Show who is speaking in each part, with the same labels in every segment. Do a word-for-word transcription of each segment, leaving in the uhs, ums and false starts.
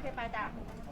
Speaker 1: เคไปจ้ะ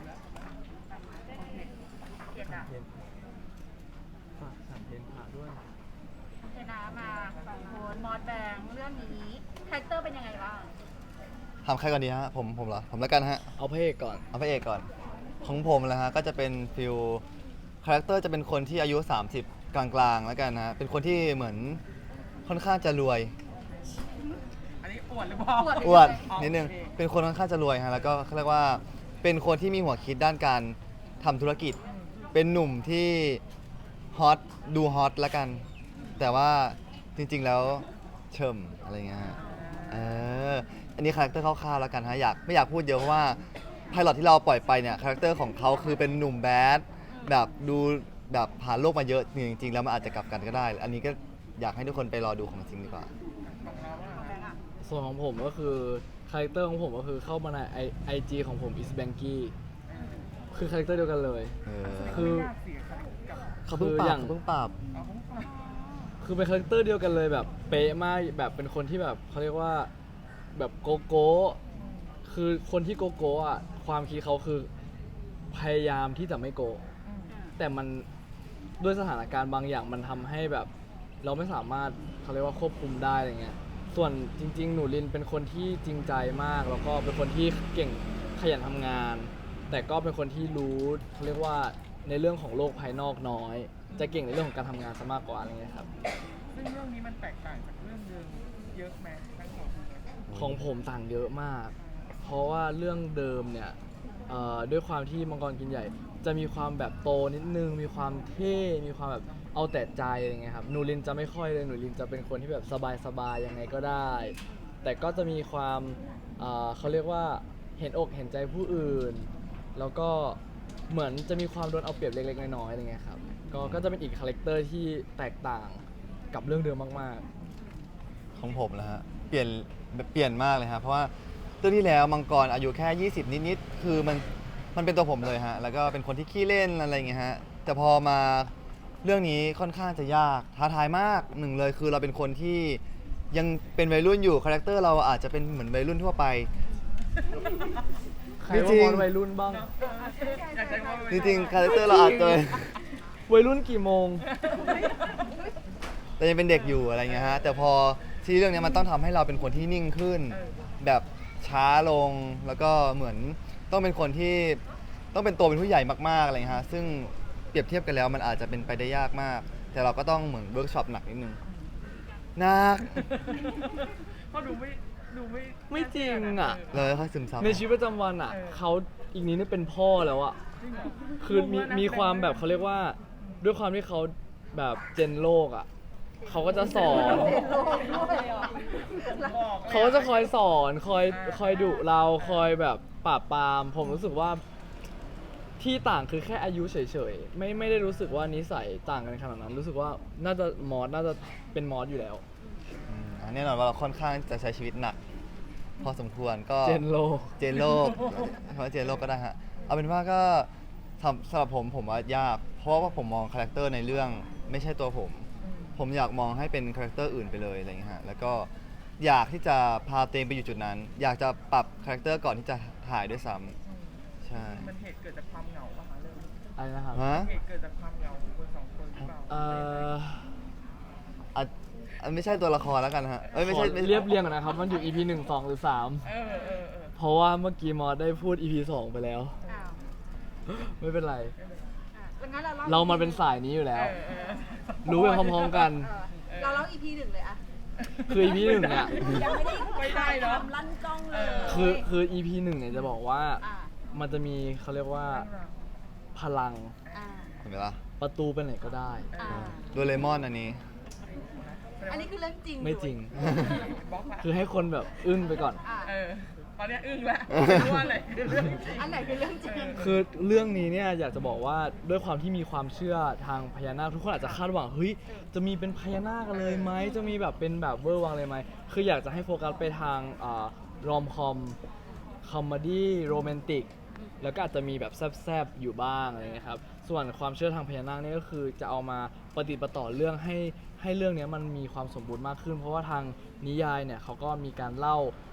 Speaker 1: เกียรติอ่ะ
Speaker 2: เพนฝากสามเพนผ่าด้วย
Speaker 1: เจนามาสองคนมอสแบงเรื่องนี้คาแรคเตอร์เป็นยังไงบ้าง
Speaker 3: ถามใครก่อนดีฮะผมผมเหรอผมแล้วกันฮะ
Speaker 2: เอาพระเอกก่อน
Speaker 3: เอาพระเอกก่อนของผมนะฮะก็จะเป็นฟิลคาแรคเตอร์จะเป็นคนที่อายุสามสิบกลางๆแล้วกันนะเป็นคนที่เหมือนค่อนข้างจะรวย
Speaker 4: อันนี้อวดหรือเปล่า
Speaker 3: อวดนิดนึงเป็นคนค่อนข้างจะรวยฮะแล้วก็เขาเรียกว่าเป็นคนที่มีหัวคิดด้านการทำธุรกิจเป็นหนุ่มที่ฮอตดูฮอตแล้วกันแต่ว่าจริงๆแล้วเชิมอะไรเงี้ยฮะเอออันนี้คาแรคเตอร์คร่าวๆแล้วกันฮะอยากไม่อยากพูดเยอะเพราะว่าไพลอตที่เราปล่อยไปเนี่ยคาแรคเตอร์ของเขาคือเป็นหนุ่มแบดแบบดูแบบผ่านโลกมาเยอะจริงๆแล้วมันอาจจะกลับกันก็ได้ อันนี้ก็อยากให้ทุกคนไปรอดูของจริงดีกว่า
Speaker 2: ส่วนของผมก็คือคาแรคเตอร์ของผมก็คือเข้ามาในไอไอจีของผม is banky คือคาแรคเตอร์เดียวกันเลย
Speaker 3: เออ
Speaker 2: คือ
Speaker 3: เขาเพิ่งปรับเขาเพิ่งปรับ
Speaker 2: คือเป็นคาแรคเตอร์เดียวกันเลยแบบเป๊ะมากแบบเป็นคนที่แบบเขาเรียกว่าแบบโกโก้คือคนที่โกโก้อะความคิดเขาคือพยายามที่จะไม่โกแต่มันด้วยสถานการณ์บางอย่างมันทำให้แบบเราไม่สามารถเขาเรียกว่าควบคุมได้อะไรเงี้ยส่วนจริงๆหนูลินเป็นคนที่จริงใจมากแล้วก็เป็นคนที่เก่งขยันทำงานแต่ก็เป็นคนที่รู้เขาเรียกว่าในเรื่องของโลกภายนอกน้อยจะเก่งในเรื่องของการทำงานซะมากกว่าอะไรเงี้ยครับ
Speaker 4: ซึ่งเรื่องนี้มันแตกต่างจากเรื่องเดิมเยอะไหมทั้งสอง
Speaker 2: ของผมต่างเยอะมากเพราะว่าเรื่องเดิมเนี่ยด้วยความที่มังกรกินใหญ่จะมีความแบบโตนิดนึงมีความเท่มีความแบบเอาแต่ใจอะไรเงี้ยครับหนูลินจะไม่ค่อยเลยหนูลินจะเป็นคนที่แบบสบายๆยังไงก็ได้แต่ก็จะมีความเขาเรียกว่าเห็นอกเห็นใจผู้อื่นแล้วก็เหมือนจะมีความโดนเอาเปรียบเล็กๆน้อยๆอะไรเงี้ยครับก็ก็จะเป็นอีกคาแรคเตอร์ที่แตกต่างกับเรื่องเดิมมาก
Speaker 3: ๆของผมนะฮะเปลี่ยนเปลี่ยนมากเลยครับเพราะว่าเรื่องที่แล้วมังกรอายุแค่ยี่สิบนิดๆคือมันมันเป็นตัวผมเลยฮะแล้วก็เป็นคนที่ขี้เล่นอะไรอย่างเงี้ยฮะแต่พอมาเรื่องนี้ค่อนข้างจะยากท้าทายมากหนึ่งเลยคือเราเป็นคนที่ยังเป็นวัยรุ่นอยู่คาแรคเตอร์เราอาจจะเป็นเหมือนวัยรุ่นทั่วไป
Speaker 2: ใครว่ามอนวัยรุ่นบ้าง
Speaker 3: จริงๆคาแรคเตอร์เราอาจจะ
Speaker 2: วัยรุ่นกี่โมง
Speaker 3: แต่ยังเป็นเด็กอยู่อะไรเงี้ยฮะแต่พอที่เรื่องนี้มันต้องทำให้เราเป็นคนที่นิ่งขึ้นแบบช้าลงแล้วก็เหมือนต้องเป็นคนที่ต้องเป็นตัวเป็นผู้ใหญ่มากๆอะไรเงี้ยฮะซึ่งเปรียบเทียบกันแล้วมันอาจจะเป็นไปได้ยากมากแต่เราก็ต้องเหมือนเวิร์กช็อปหนักนิดนึงหนัก
Speaker 4: ก็ดูไม่ดูไม่
Speaker 2: ไม่จริงอ่ะ
Speaker 3: เลยค่อยซึมซับ
Speaker 2: ในชีวิตประจำวันอ่ะเขาอีกนี้นี่เป็นพ่อแล้วอ่ะคือมีมีความแบบเขาเรียกว่าด้วยความที่เขาแบบเจนโลกอ่ะเขาก็จะสอนเขาก็จะคอยสอนคอยคอยดุเราคอยแบบปราบปรามผมรู้สึกว่าที่ต่างคือแค่อายุเฉยๆไม่ไม่ได้รู้สึกว่านิสัยต่างกันขนาดนั้นรู้สึกว่าน่าจะมอสน่าจะเป็นมอสอยู่แล้ว
Speaker 3: แน่นอนว่าเราค่อนข้างจะใช้ชีวิตหนักพอสมควรก็
Speaker 2: เจนโลก
Speaker 3: เจนโลกเพราะเจนโลกก็ได้ฮะเอาเป็นว่าก็สำหรับผมผมว่ายากเพราะว่าผมมองคาแรคเตอร์ในเรื่องไม่ใช่ตัวผมผมอยากมองให้เป็นคาแรคเตอร์อื่นไปเลยอะไรอย่างเงี้ยฮะแล้วก็อยากที่จะพาตัวเองไปอยู่จุดนั้นอยากจะปรับคาแรคเตอร์ก่อนที่จะถ่ายด้วยซ้ำใช่
Speaker 4: มันเหตุเกิดจากความเหงาป่ะคะเรื่อง
Speaker 2: อะไรนะครับ
Speaker 4: เหตุเกิดจากความเหงาของคนสองคนหรือเปล่า
Speaker 2: เอ่อ
Speaker 3: อันไม่ใช่ตัวละครแล้วกันฮะเอ้ยไม่ใช่
Speaker 2: เรียบเรียงนะครับมันอยู่ อี พี หนึ่ง สองหรือสาม
Speaker 4: เออเออ
Speaker 2: เพราะว่าเมื่อกี้มอสได้พูด อี พี สองไปแล้วไม่เป็นไรเรามันเป็นสายนี้อยู่แล้วรู้ไปพร้อมๆกัน
Speaker 1: เราเล่า อี พี หนึ่งเลยอะ
Speaker 2: คือ อี พี หนึ่งเนี่ย
Speaker 1: ยังไม่ได้ไม่ได้เนาะลั่นกล้องเลย
Speaker 2: คือคือ อี พี หนึ่งเนี่ยจะบอกว่ามันจะมีเขาเรียกว่าพลัง
Speaker 3: เห็นไหมล่ะ
Speaker 2: ประตูไปไหนก็ได้
Speaker 3: โดเรมอนอันนี้
Speaker 1: อันนี้คือเรื่องจริง
Speaker 2: ไม่จริงคือให้คนแบบอึ้งไปก่อน
Speaker 4: ตอนนี้อึ้งแล้วว่าอะไรคือเรื่องจริง
Speaker 1: อันไหนคือเรื่องจริง
Speaker 2: คือเรื่องนี้เนี่ยอยากจะบอกว่าด้วยความที่มีความเชื่อทางพญานาคทุกคนอาจจะคาดหวังเฮ้ยจะมีเป็นพญานาคกันเลยไหมจะมีแบบเป็นแบบเวอร์วังเลยไหมคืออยากจะให้โฟกัสไปทางรอมคอมคอมเมดี้โรแมนติกแล้วก็อาจจะมีแบบแซบๆอยู่บ้างอะไรเงี้ยครับส่วนความเชื่อทางพญานาคนี่ก็คือจะเอามาปฏิปต่อเรื่องให้ให้เรื่องนี้มันมีความสมบูรณ์มากขึ้นเพราะว่าทางนิยายเนี่ยเขาก็มีการเล่า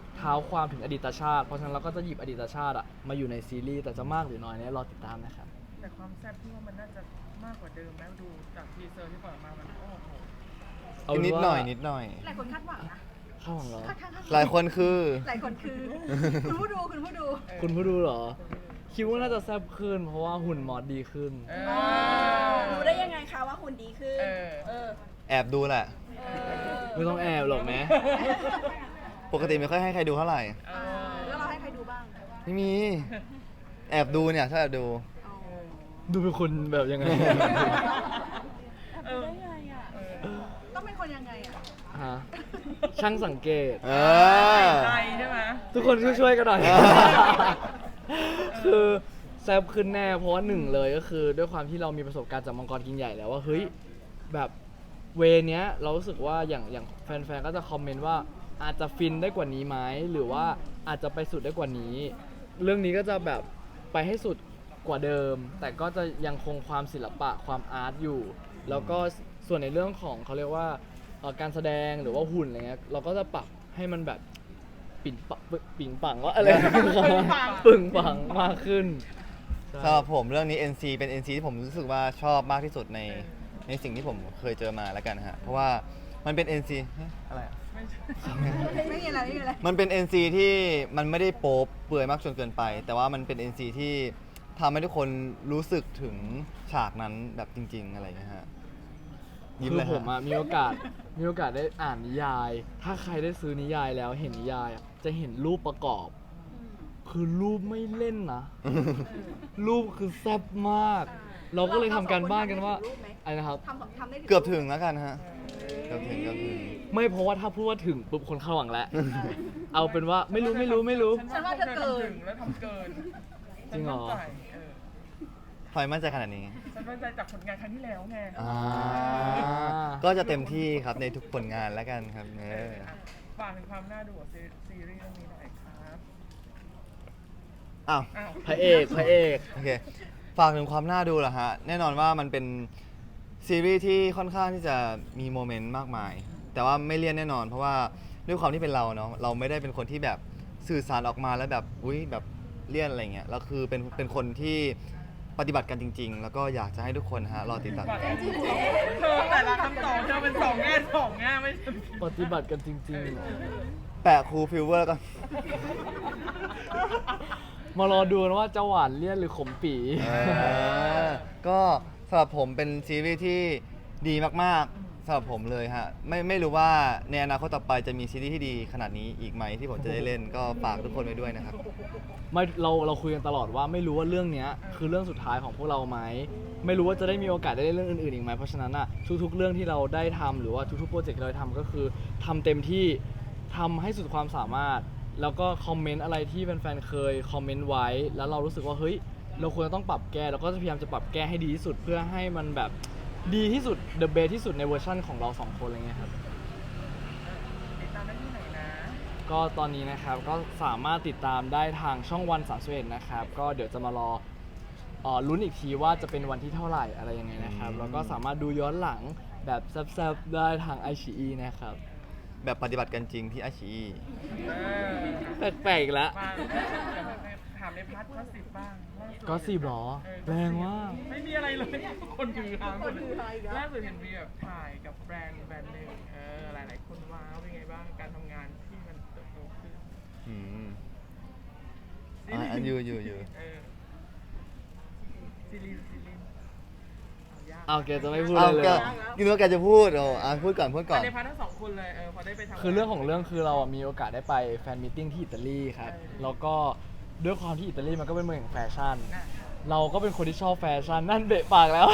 Speaker 2: เท้าความถึงอดีตชาติ เพราะฉะนั้นเราก็จะหยิบอดีตชาติอะมาอยู่ในซีรีส์แต่จะมากหรือน้อยเนี่ยรอติดตามนะครับ
Speaker 4: แต่ความแซ่บที่ว่ามันน่าจะมากกว่าเดิมแล้วดูจากทีเซอร์ที่ปล่อยมามันโอ้โห
Speaker 2: เอาเป็น
Speaker 3: นิด
Speaker 2: ว่า
Speaker 3: หน่อยนิดหน่อย
Speaker 1: หลายคนคาดหวังนะ
Speaker 2: เข้าของเหรอ
Speaker 1: คาดคาดคาด
Speaker 3: หลายคนคือ
Speaker 1: หลายคนคือ คุณผู้ดูคุณผู้ดู
Speaker 2: คุณผู้ดูเหรอ คิดว่าน่าจะแซ่บขึ้น เพราะว่าหุ่นมอสดีขึ้น
Speaker 4: เอ
Speaker 5: รู้ได้ยังไงคะว่าหุ่นดีขึ้น
Speaker 4: เออ
Speaker 5: เออ
Speaker 3: แอบดูแหละ
Speaker 5: เออ
Speaker 2: ไม่ต้องแอบหรอกแม้
Speaker 3: ปกติไม่ค่อยให้ใครดูเท่าไหร่
Speaker 4: เออ
Speaker 1: แล้วเราให้ใครดูบ้าง
Speaker 3: ไม่มี แอบดูเนี่ยชอบแอบดู
Speaker 1: อ๋อ
Speaker 2: ดูเป็นคนแบบยังไง
Speaker 4: เออ
Speaker 5: ได้ไงอ่ะ
Speaker 4: เออ
Speaker 1: ต้องเป็นคนยังไงอ่ะ
Speaker 2: ฮะ ช่างสังเกต
Speaker 3: เออ
Speaker 4: ใจใช่ไหม
Speaker 2: ทุกคนช่วยๆกันหน่อย
Speaker 3: เออ
Speaker 2: คือแซ่บขึ้นแน่ เพราะว่าหนึ่งเลยก็คือ ด้วยความที่เรามีประสบการณ์จากมังกรกินใหญ่แล้วว่าเฮ้ยแบบเวเนี้ยเรารู้สึกว่าอย่างอย่างแฟนๆก็จะคอมเมนต์ว่าอาจจะฟินได้กว่านี้ไหมหรือว่าอาจจะไปสุดได้กว่านี้ เรื่องนี้ก็จะแบบไปให้สุดกว่าเดิม แต่ก็จะยังคงความศิลปะความอาร์ตอยู่ แล้วก็ส่วนในเรื่องของเขาเรียกว่าเอ่อการแสดงหรือว่าหุ่นอะไรเงี้ยเราก็จะปรับให้มันแบบปิ่นปะปิ่งปังว่าอะไร ปึ่งปังมากขึ้น
Speaker 3: สำหรับผมเรื่องนี้ เอ็น ซี เป็น เอ็น ซี ที่ผมรู้สึกว่าชอบมากที่สุดในในสิ่งที่ผมเคยเจอมาแล้วกันฮะ เพราะว่ามันเป็น เอ็น ซี เฮ้ยอะไรอะ
Speaker 4: ไม่ใช่
Speaker 1: ไม่มีอะไรไม่มีอะไร
Speaker 3: มันเป็น เอ็น ซี ที่มันไม่ได้โป๊ปเปื่อยมากจนเกินไป แต่ว่ามันเป็น เอ็น ซี ที่ทำให้ทุกคนรู้สึกถึงฉากนั้นแบบจริง ๆ อะไรอย่างเงี้ยฮะยิ้ม
Speaker 2: คื
Speaker 3: เล
Speaker 2: อย ผม
Speaker 3: ฮะ
Speaker 2: อะมีโอกาสมีโอกาสได้อ่านนิยาย ถ้าใครได้ซื้อนิยายแล้วเห็นนิยายอะจะเห็นรูปประกอบ คือรูปไม่เล่นนะ รูปคือแซ่บมาก เราก็เลยทำการบ้านกันว่าอะไรนะครับ
Speaker 1: ทำทำได้ถึง
Speaker 3: เกือบถึงแล้วกันฮะ เกือบถึงเกือบถึง
Speaker 2: ไม่เพราะว่าถ้าพูดว่าถึงปุ๊บคนเข้าหวังแล้ว เอาเป็นว่าไม่รู้ไม่รู้ไม่รู้
Speaker 1: ฉันว่าเธอเกิน
Speaker 4: ทำถึงแล้วทำเกิน
Speaker 2: จริงเหรอ
Speaker 4: ฉันมั่นใจเออ
Speaker 3: ทำไมมั่นใจขนาดนี้
Speaker 4: ฉันมั่นใจจากผลงานครั้งที่แล้วไง
Speaker 3: อ่า ก็จะเต็มที่ครับในทุกผลงานแล้วกันครับเอ
Speaker 4: เออ
Speaker 3: อ
Speaker 4: อ่ะฝากถึงความน่าดูของซีซีรีส์เรื่องนี้หน่อยครับ
Speaker 3: อ้าว
Speaker 4: อ้าว
Speaker 2: พระเอกพระเอก
Speaker 3: โอเค ฝากถึงความน่าดูเหรอฮะ แน่นอนว่ามันเป็นซีรีส์ที่ค่อนข้างที่จะมีโมเมนต์มากมาย แต่ว่าไม่เลี่ยนแน่นอน เพราะว่าด้วยความที่เป็นเราเนาะ เราไม่ได้เป็นคนที่แบบสื่อสารออกมาแล้วแบบ อุ้ยแบบเลี่ยนอะไรเงี้ย เราคือเป็นเป็นคนที่ปฏิบัติกันจริง ๆ แล้วก็อยากจะให้ทุกคนฮะรอติดตาม
Speaker 4: ฝากถึงเธอแต่ละคำตอบเธอเป็นสองแง่สองแง่ไม่ใช่
Speaker 2: ปฏิบัติกันจริงๆเหรอ
Speaker 3: แปะครูฟิลเวอร์ก็
Speaker 2: มารอดูนะว่าจะหวานเลี่ยนหรือขมปี
Speaker 3: เออก็สำหรับผมเป็นซีรีส์ที่ดีมากๆสำหรับผมเลยฮะไม่ไม่รู้ว่าในอนาคตต่อไปจะมีซีรีส์ที่ดีขนาดนี้อีกไหมที่ผมจะได้เล่นก็ฝากทุกคนไว้ด้วยนะครับ
Speaker 2: ไม่เราเราคุยกันตลอดว่าไม่รู้ว่าเรื่องเนี้ยคือเรื่องสุดท้ายของพวกเราไหมไม่รู้ว่าจะได้มีโอกาสได้เล่นเรื่องอื่นๆอีกไหมเพราะฉะนั้นอ่ะทุกๆเรื่องที่เราได้ทำหรือว่าทุกๆโปรเจกต์ที่เราทำก็คือทำเต็มที่ทำให้สุดความสามารถ แล้วก็คอมเมนต์อะไรที่แฟนๆเคยคอมเมนต์ไว้ แล้วเรารู้สึกว่าเฮ้ยเราควรจะต้องปรับแก้เราก็จะพยายามจะปรับแก้ให้ดีที่สุดเพื่อให้มันแบบดีที่สุด the best ที่สุดในเวอร์ชั่นของเราสองคนอะไรเงี้ยครับ
Speaker 4: ติดตามได้ที่ไหนนะ
Speaker 2: ก็ตอนนี้นะครับก็สามารถติดตามได้ทางช่องวันสามสิบเอ็ดนะครับก็เดี๋ยวจะมารอเอ่อลุ้นอีกทีว่าจะเป็นวันที่เท่าไหร่อะไรยังไงนะครับ
Speaker 3: อืม
Speaker 2: แล้วก็สามารถดูย้อนหลังแบบแซ่บๆได้ทางไอชีอีนะครับ
Speaker 3: แบบปฏิบัติกันจริงที่อาชี
Speaker 4: เออ
Speaker 2: แปลกๆอีกแล้ว
Speaker 4: มาถามในพาร์ทก็สิบบ้างล่าสุด
Speaker 2: ก็สิบหรอ
Speaker 4: เออ
Speaker 2: แรงมาก
Speaker 4: ไม่มีอะไรเลย คนคือฮาหมด
Speaker 1: คนฮือฮาอีกแล้ว
Speaker 4: ล่าสุดเห็นมีแบบถ่ายกับแบรนด์แบรนด์หนึ่งเออหลายๆคนว้าวเป็นไงบ้างการทำงานที่มันเติบโตขึ้น
Speaker 3: อืม
Speaker 4: ซี
Speaker 3: อ่ะ
Speaker 4: รีส์
Speaker 3: อันอยู่อยู่อยู่
Speaker 4: เออซีรีส์ซีรีส์เอายาก
Speaker 2: เอาแกจะไม่พูด
Speaker 3: เอา
Speaker 2: เลย
Speaker 3: แก
Speaker 2: เลย
Speaker 3: กินว่าแกจะพูดโอ้อ่ะพูดก่อนพูดก่อน
Speaker 4: ในพาร์ททั้งสองคนเลยเออพอได้ไปทำ
Speaker 2: คือเรื่องของเรื่องคือเราอ่ะมีโอกาสได้ไปแฟนมีตติ้งที่อิตาลีครับ
Speaker 4: เออ
Speaker 2: แล้วก็ด้วยความที่อิตาลีมันก็เป็นเมืองแห่งแฟชั่น
Speaker 4: น่ะ
Speaker 2: เราก็เป็นคนที่ชอบแฟชั่นนั่นเบะปากแล้ว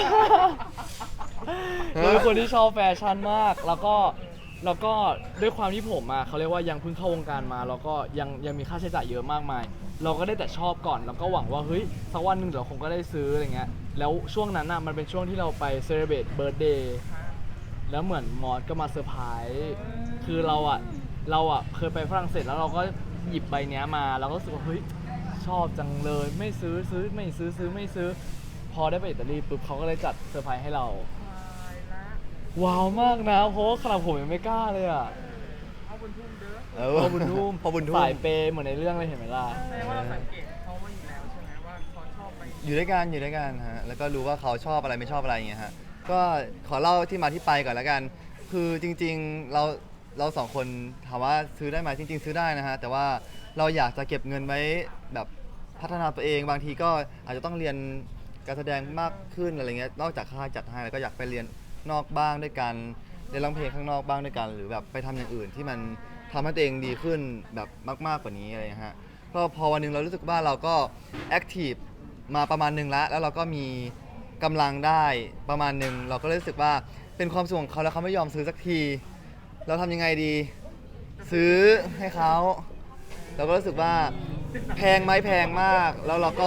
Speaker 2: เราเป็นคนที่ชอบแฟชั่นมาก แล้วก็แล้วก็ด้วยความที่ผมอ่ะเขาเรียกว่ายังเพิ่งเข้าวงการมาแล้วก็ยังยังมีค่าใช้จ่ายเยอะมากมาย เราก็ได้แต่ชอบก่อน แล้วก็หวังว่าเฮ้ยสักวันหนึ่งเดี๋ยวคงก็ได้ซื้ออะไรเงี้ยแล้วช่วงนั้นอ่ะมันเป็นช่วงที่เราไปเซเลบรตเบิร์ดเดย์
Speaker 4: ฮะ
Speaker 2: แล้วเหมือนมอสก็มาเซอร์ไพรส์คือเราอ่ะเราอ่ะเคยไปฝรั่งเศสแล้วเราก็หยิบใบเนี้ยมาเราก็รู้สึกว่าเฮ้ยชอบจังเลยไม่ซื้อซื้อไม่ซื้อซื้อไม่ซื้อ พอได้ไปอิตาลีปุ๊บเขาก็เลยจัดเซอร์ไพรส์ให้เรา
Speaker 4: ตายละ
Speaker 2: ว้าวมากนะ เพราะว่าขนาดผมยังไม่กล้าเลยอ่ะ
Speaker 4: เอาบนทุ่มเด้อ
Speaker 3: เออ
Speaker 2: พ่อบุญทุ่ม
Speaker 3: พ่อบุญทุ่ม
Speaker 2: สายเปย์เหมือนในเรื่องเลยเห็นไหมล่ะ
Speaker 4: แสดงว่าเราสังเกตเขามาอยู่แล้วใช่ไหมว่าเขาชอบไป
Speaker 3: อยู่ด้วยกันอยู่ด้วยกันฮะแล้วก็รู้ว่าเขาชอบอะไรไม่ชอบอะไรอย่างเงี้ยฮะก็ขอเล่าที่มาที่ไปก่อนแล้วกัน คือจริงๆเราเราสองคนถามว่าซื้อได้ไหมจริง ๆ ซื้อได้นะฮะแต่ว่าเราอยากจะเก็บเงินไว้แบบพัฒนาตัวเองบางทีก็อาจจะต้องเรียนการแสดงมากขึ้นอะไรเงี้ยนอกจากค่ายจัดให้แล้วก็อยากไปเรียนนอกบ้างด้วยกันเรียนร้องเพลงข้างนอกบ้างด้วยกัน หรือแบบไปทำอย่างอื่นที่มันทำให้ตัวเองดีขึ้นแบบมากๆกว่านี้อะไรเงี้ยฮะก็พอวันหนึงเรารู้สึกว่าเราก็แอคทีฟมาประมาณหนึงแล้วแล้วเราก็มีกำลังได้ประมาณหนึงเราก็รู้สึกว่าเป็นความสุขของเขาแล้วเขาไม่ยอมซื้อสักที เราทำยังไงดี ซื้อให้เขาเราก็รู้สึกว่าแพงไหมแพงมาก แล้วเราก็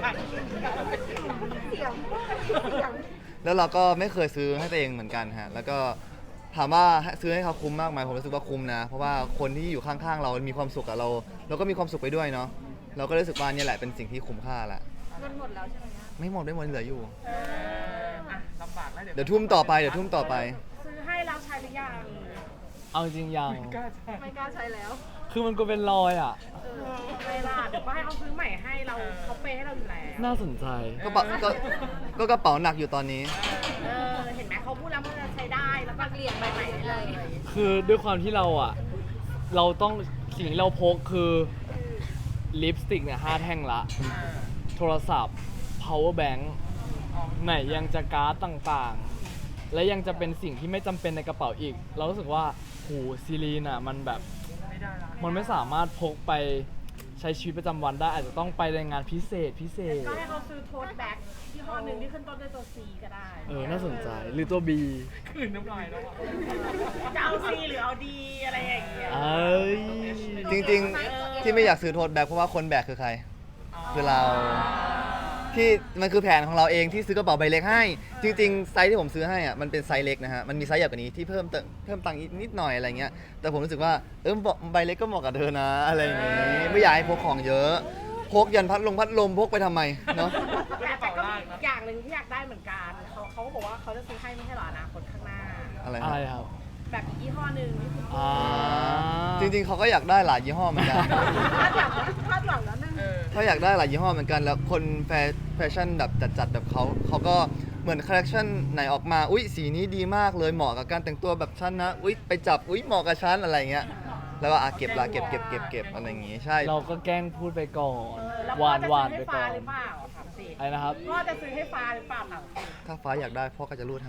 Speaker 3: แล้วเราก็ไม่เคยซื้อให้ตัวเองเหมือนกันฮะแล้วก็ถามว่าซื้อให้เขาคุ้มมากไหมผมรู้สึกว่าคุ้มนะ เพราะว่าคนที่อยู่ข้างๆเรามีความสุขกับเรา เราก็มีความสุขไปด้วยเนาะเราก็รู้สึกว่าเนี่ยแหละเป็นสิ่งที่คุ้มค่าละ
Speaker 1: เงินหมดแล้วใช่ไหมคะ
Speaker 3: ไม่หมดไม่หมดเหลืออยู่
Speaker 4: เอออ่ะลำบากแล้วเดี๋ยว
Speaker 3: เดี๋ยวทุ่มต่อไปเดี๋ยวทุ่มต่อไป
Speaker 5: ซื้อให้เราใช้หรือยัง
Speaker 2: เอาจริงยัง
Speaker 4: ไม่กล้าใช้
Speaker 1: ไม่กล้าใช้แล้ว
Speaker 2: คือมันก็เป็นรอยอ่ะ
Speaker 5: เออเวลาเดี๋ยวก็ให้เขาซื้อใหม่ให้เราเขาเปย์ให้เราอยู่แล้ว
Speaker 2: น่าสนใจ
Speaker 3: ก็ปะก็ก็กระเป๋าหนักอยู่ตอนนี้
Speaker 5: เออเห็นไหมเขาพูดแล้วมันจะใช้ได้แล้วก็เปลี่ยนไปใหม่ได้เลย
Speaker 2: คือด้วยความที่เราอ่ะ เราต้องสิ่งที่เราพกคือลิปสติกเนี่ยห้าแท่งละ
Speaker 4: อ่า
Speaker 2: โทรศัพท์ power bank
Speaker 4: อ๋อ
Speaker 2: ไหนยังจะการ์ดต่างๆ และยังจะเป็นสิ่งที่ไม่จำเป็นในกระเป๋าอีก เรารู้สึกว่าโหซีรีนอ่ะมันแบบ
Speaker 4: ไม่ได้ละ
Speaker 2: มันไม่สามารถพกไปใช้ชีวิตประจำวันได้อาจจะต้องไปในงานพิเศษพิเศษ
Speaker 5: ก็ให้เขาซื้อโทสแบ็กที่ห้อหนึ่งที่ขึ้นต้นด้วยตัว C ก็ได้
Speaker 2: เออ น่าสนใจ หรือตัว B
Speaker 4: คืนน้ำลายแล้วอ่ะ
Speaker 5: จะเอา C หรือเอา D อะไรอย่างเงี้ย
Speaker 2: เอ้ย
Speaker 3: จริงๆ ที่ไม่อยากซื้อโทษแบกเพราะว่าคนแบกคือใคร คือเรา ที่มันคือแผนของเราเองที่ซื้อกระเป๋าใบเล็กให้ จริงๆ ไซส์ที่ผมซื้อให้อ่ะมันเป็นไซส์เล็กนะฮะมันมีไซส์ใหญ่กว่านี้ที่เพิ่มเติมเพิ่มตังค์อีกนิดหน่อยอะไรเงี้ยแต่ผมรู้สึกว่าเออใบเล็กก็เหมาะกับเธอนะอะไรอย่างงี้ไม่อยากให้พกของเยอะพกยันพัดลมพัดลมพกไปทำไมเนาะ
Speaker 5: แต่แต่ก็มีอีกอย่างหนึ่งที่อยากได้เหมือนกันเขาเขาก็บอกว่าเขาจะซื้อให้ไม่ใช่เหรออนาคตข้างหน้า
Speaker 3: อะไร
Speaker 2: อะไร
Speaker 3: ฮะ
Speaker 2: ครับ
Speaker 5: แบบอีกยี่ห้อหนึ่งที่คุณ
Speaker 2: อ่า
Speaker 3: จริงๆเขาก็อยากได้หลายยี่ห้อเหมือนกัน
Speaker 5: คาดหวังคาดหวังแล้วนึง
Speaker 4: เออ
Speaker 3: เขาอยากได้หลายยี่ห้อเหมือนกันแล้วคนแฟแฟชั่นแบบจัดๆแบบเขาเขาก็เหมือนคอลเลคชันไหนออกมาอุ๊ยสีนี้ดีมากเลยเหมาะกับการแต่งตัวแบบฉันนะอุ๊ยไปจับอุ๊ยเหมาะกับฉันอะไรเงี้ยแล้วก็อ่ะเก็บละเก็บเก็บเก็บเก็บอะไรอย่างงี้ใช่
Speaker 2: เราก็แกล้งพูดไปก่อน
Speaker 5: เออแล้ว
Speaker 2: ห
Speaker 5: พ่อ
Speaker 2: วาน
Speaker 5: จะ
Speaker 2: หวาน
Speaker 5: ซื้อ
Speaker 2: ไป
Speaker 5: ให้ฟ้า
Speaker 2: ก่อน
Speaker 5: หรือเปล่าถามสิ
Speaker 2: อะไรนะครับ
Speaker 5: พ่อจะซื้อให้ฟ้าหรือเปล่าถามสิ
Speaker 3: ถ้าฟ้าอยากได้พ่อก็จะรูดให้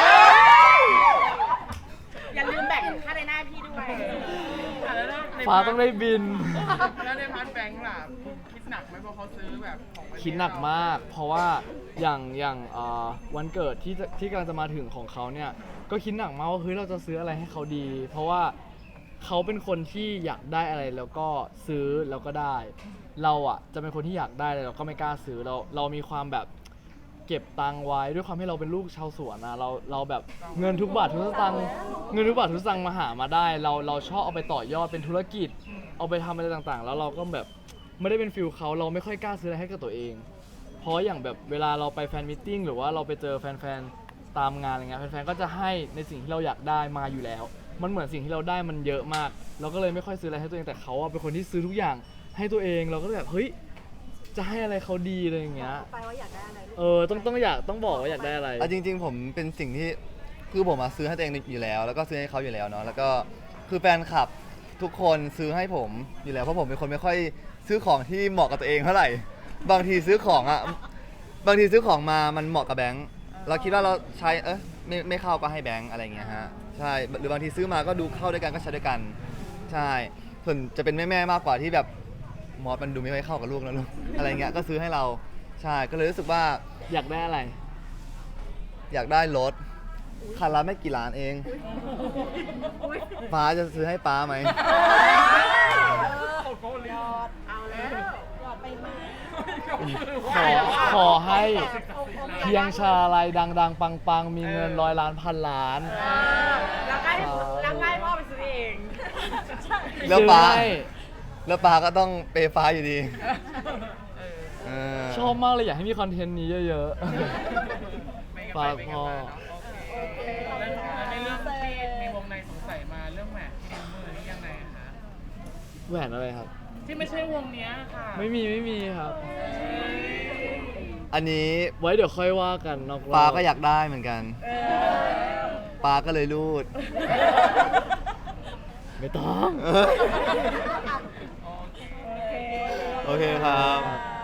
Speaker 5: อย่าลืมแบ่งค่าในหน้าพี่ด้วย
Speaker 4: อ่ะแล้วใน
Speaker 2: ฟ้าต้องได้บิน
Speaker 4: แล้วในพาร์ทแบงค์ล่ะคุณคิดหนักไหมเพราะเขาซื้อแบบของประเทศ
Speaker 2: คิดหนักมาก เพราะว่าอย่างอย่างเอ่อวันเกิดที่จะที่กำลังจะมาถึงของเขาเนี่ย ก็คิดหนักมากว่าเฮ้ยเราจะซื้ออะไรให้เขาดี เพราะว่าเขาเป็นคนที่อยากได้อะไรแล้วก็ซื้อแล้วก็ได้ เราอ่ะจะเป็นคนที่อยากได้เลยเราก็ไม่กล้าซื้อเราเรามีความแบบเก็บตังค์ไว้ด้วยความที่เราเป็นลูกชาวสวนนะเราเราแบบเงินทุกบาททุกสตางค์เงินทุกบาททุกสตางค์มาหามาได้ เราเราชอบเอาไปต่อยอดเป็นธุรกิจ เอาไปทำอะไรต่างๆ แล้วเราก็แบบไม่ได้เป็นฟิลเขาเราไม่ค่อยกล้าซื้ออะไรให้กับตัวเอง เพราะอย่างแบบเวลาเราไปแฟนมิทติ้งหรือว่าเราไปเจอแฟนๆตามงานอะไรเงี้ยแฟนๆก็จะให้ในสิ่งที่เราอยากได้มาอยู่แล้ว มันเหมือนสิ่งที่เราได้มันเยอะมาก เราก็เลยไม่ค่อยซื้ออะไรให้ตัวเองแต่เขาอะเป็นคนที่ซื้อทุกอย่างให้ตัวเองเราก็เลยแบบเฮ้ยจะให้อะไรเขาดีอะไรอย่างเงี้ย
Speaker 5: ไปว่าอยากได้อะไรลูก
Speaker 2: เออต้องต้องอยากต้องบอกว่าอยากได้อะไร
Speaker 3: อ่ะจริง ๆ ผมเป็นสิ่งที่คือผมมาซื้อให้ตัวเองอยู่แล้ว แล้วก็ซื้อให้เขาอยู่แล้วเนาะแล้วก็คือแฟนคลับทุกคนซื้อให้ผมอยู่แล้วเพราะผมเป็นคนไม่ค่อยซื้อของที่เหมาะกับตัวเองเท่าไหร่ บางทีซื้อของอ่ะบางทีซื้อของมามันเหมาะกับแบงค์เราคิดว่าเราใช้เออไม่ไม่เข้าก็ให้แบงค์อะไรอย่างเงี้ยฮะใช่หรือบางทีซื้อมาก็ดูเข้าด้วยกันก็ใช้ด้วยกันใช่ส่วนจะเป็นแม่ๆมากกว่าที่แบบมอสมันดูไม่ค่อยเข้ากับลูกนะลูกอะไรเงี้ยก็ซื้อให้เราใช่ก็เลยรู้สึกว่า
Speaker 2: อยากได้อะไร
Speaker 3: อยากได้รถคันละไม่กี่ล้านเองป้าจะซื้อให้ป้าไหม
Speaker 5: เอาแล้วหยอดไปมา
Speaker 2: ขอขอให้เพียงชาลายดังๆ ปังๆ มีเงินร้อยล้านพันล้าน
Speaker 5: แล้วก็ให้แล้วก็ให้พ่อไปซื้อเอง
Speaker 3: แล้วป้า
Speaker 2: ซื้อให้
Speaker 3: แล้วป้าก็ต้องเปย์ฟ้าอยู่ดีเออ
Speaker 2: ชอบมากเลยอยากให้มีคอนเทนต์นี้เยอะ
Speaker 4: ไม่
Speaker 2: ๆ
Speaker 4: กันไป
Speaker 2: ฝาก
Speaker 4: ไม่
Speaker 2: พ
Speaker 4: กัน
Speaker 2: อ
Speaker 4: มาเนาะโอเคแล้วแล้วในเรื่องที่มีวงในสงสัยมาเรื่องแหวนที่นิ้วมือนี่ยังไงคะ
Speaker 2: แหวนอะไรครับ
Speaker 4: ที่ไม่ใช่วงเนี้ยค่ะ
Speaker 2: ไม่มีไม่มีครับ
Speaker 3: อันนี้
Speaker 2: ไว้เดี๋ยวค่อยว่ากันนอกรอบ
Speaker 3: ปาก็อยากได้เหมือนกันปาก็เลยรูด
Speaker 2: ไม่ต้อง
Speaker 3: โอเคครับ
Speaker 4: บ